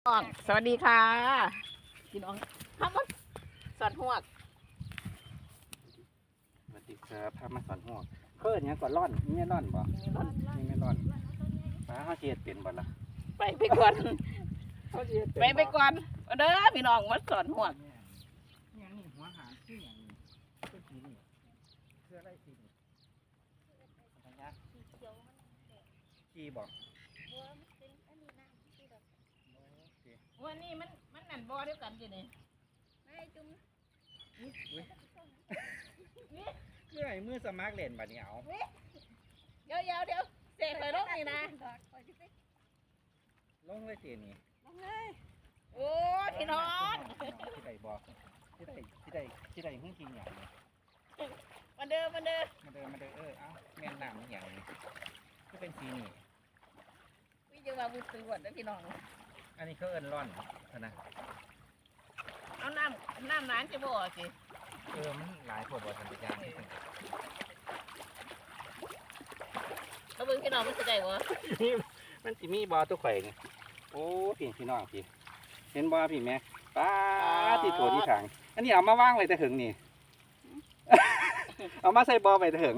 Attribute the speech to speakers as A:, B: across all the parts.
A: สวัสดีค่ะพี่น้องทำมาสอนหวก
B: สวัสดีครับพามาสอนหัวเพิ่นยังก่อนร่อนนี่ไม่ร่อนบ่นี่ไม่ร่อนป้าเขาเจียดเป็นบ่ล่ะ
A: ไปก่อน
B: เขาเจียดเป็น
A: ไปก่อนเอาเด้อพี่น้องมาสอนหวก
B: ยังนี่หัวหารที่อย่างนี้เป็นสีนี่เสื้ออะไรสีนี่อะไรนะขี้บอก
A: วันนี้มันนั่นบ่เดียวกันจีนี่
B: เมื่อไหร่มือสมัครเล่นบัดนี้เอา
A: เดี๋ยวเสกไปลงนี่นะ
B: ลงเลยสีนี่
A: โอ้พี่น้อง
B: ที่ใดบอกที่ใดหุ้นกินอย่างนี้
A: มาเด้อ
B: มาเดินเอ้าแม่นน้ำอย่างนี้ก็เป็นสีนี่
A: วิจารณ์บุตรสวดนะพี่น้อง
B: อันนี้เขาเอิ้นร่อนนะ
A: เอาน้ำร้านจะบ่สิ
B: มันหลายพวกบ่ทันยาง
A: เขาเบิ่งพี่น้องมันจะได้บ่
B: มันสิมีบ่อตัวข่อยนี่โอ้พี่น้องพี่เห็นบ่พี่แม่ป้าที่โถที่ถังอันนี้เอามาว่างไว้แต่ถึงนี่ เอามาใส่บ่อไว้แต่ถึง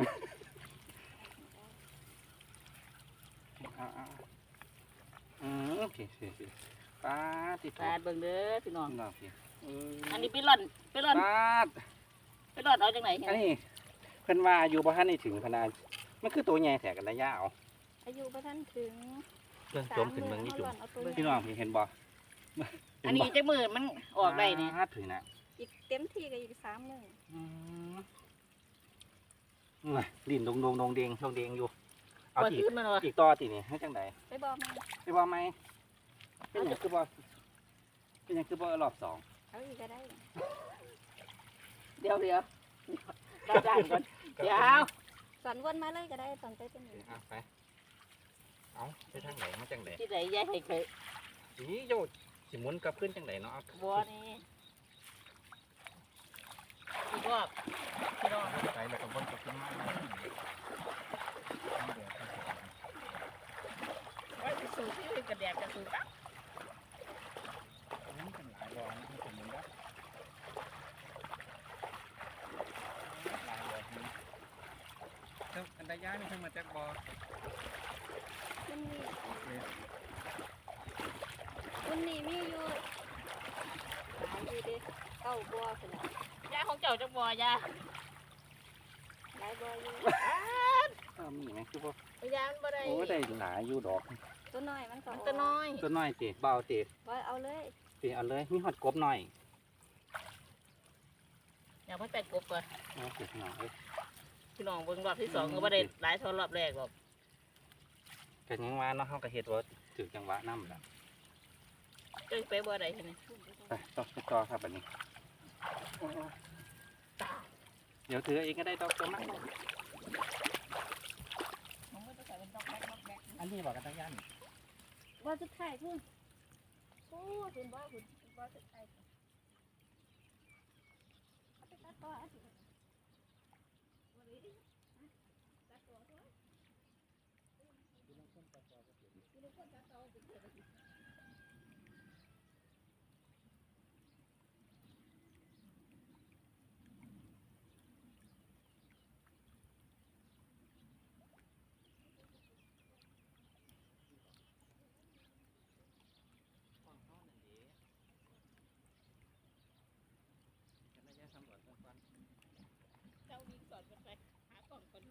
B: โอเคป้าที่โถ
A: ตาเบิ่งเด้อพี่น้อง
B: พี่น้องพี่
A: อันนี้ไปร่อน
B: ป้า
A: เอาจังไหน
B: อันนี้เพิ่นว่าอยู่บ่ทันได้ถึงพนามันคือตัวใหญ่แท้กันระยะเอา
C: อายุประทันถึง
B: เรื่องจมขึ้นเมืองนี่จุ่มพี่น้องพี่เห็นบ่
A: อันนี้จะมือมันออกได้นี่
B: ถึงนะ
C: อีกเต็มที่ก็อีก3 มื้อ
B: ลิ้นดงเดงอยู่เอา
A: บ่
B: ที
A: ขึ้นมันบ่
B: อีกต่อตีนี่ให้จังได
C: ไปบอกมัน
B: ไปบ่ไหมเป็นหยังคือบ่รอบสอง
C: เอาอีกก็ได้
A: เดี๋ยวได้ก่อนเดี๋ยว
C: สอนวนมาเลยก็ได้สอนไปเป็นนี้
B: เอาไปเอาไปทางไหนมาจังได
A: ที่ไหนยายให้เคย
B: นี่โยดสิหมุนกลับขึ้นจังไดเนาะ
A: บัวนี่อีกรอบพี่น้อง
B: ไปแล้วก็วนกลับขึ้นมา
A: ไว้ไปสู่ที่กระแดกกระสู่กัน
B: มันเป็นหลายบ่อนะที่ผมหมุนแล้วหลายบ่อนี่เท่าอันใดย้ายนี่เพิ่งมาจากบ่อ
C: มันนี่มีอยู่หลายอยู่เด้9บ่อพุ่นน่ะ
A: ยาของเจ้าจังบัวยา
C: หลายบ่ออยู่
B: มีไหมคือบ่
A: ยามันบ่ได้
B: โอ้ได้หลายอยู่ดอก
C: ตัวน้อยมันก็
A: มันตัวน้อย
B: ตัวน้อยติเบาติ
C: บ่เอาเลย
B: ติเอาเลยมีฮอดกบหน่อย
A: อยากไปแปะกบก่อน
B: เอาสิหน่อย
A: พี่น้องเบิ่งรอบที่สองก็บ่ได้หลายเท่ารอบแรกหรอก
B: กันยังว่าเนาะเฮาก็เฮ็ดว่าถึงจังหวะนำล่ะ
A: เจ้าไปบ่ได้ใช่ไหม
B: ไปต่อครับบัดนี้เดี๋ยวถือเองก็ได้ดอกตัวมากอันนี้บอกกันตะยัน
C: บ่สุดท้ายพุ่นโอ้คุณบ่สุดท้ายเอาไปตัดต่ออันนี้
A: เจ้าวิ่งสอนกันไปหากล่องคน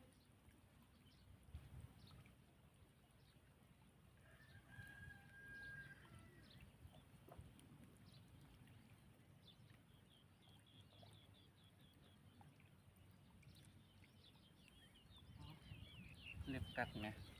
B: เล็บกัดไหม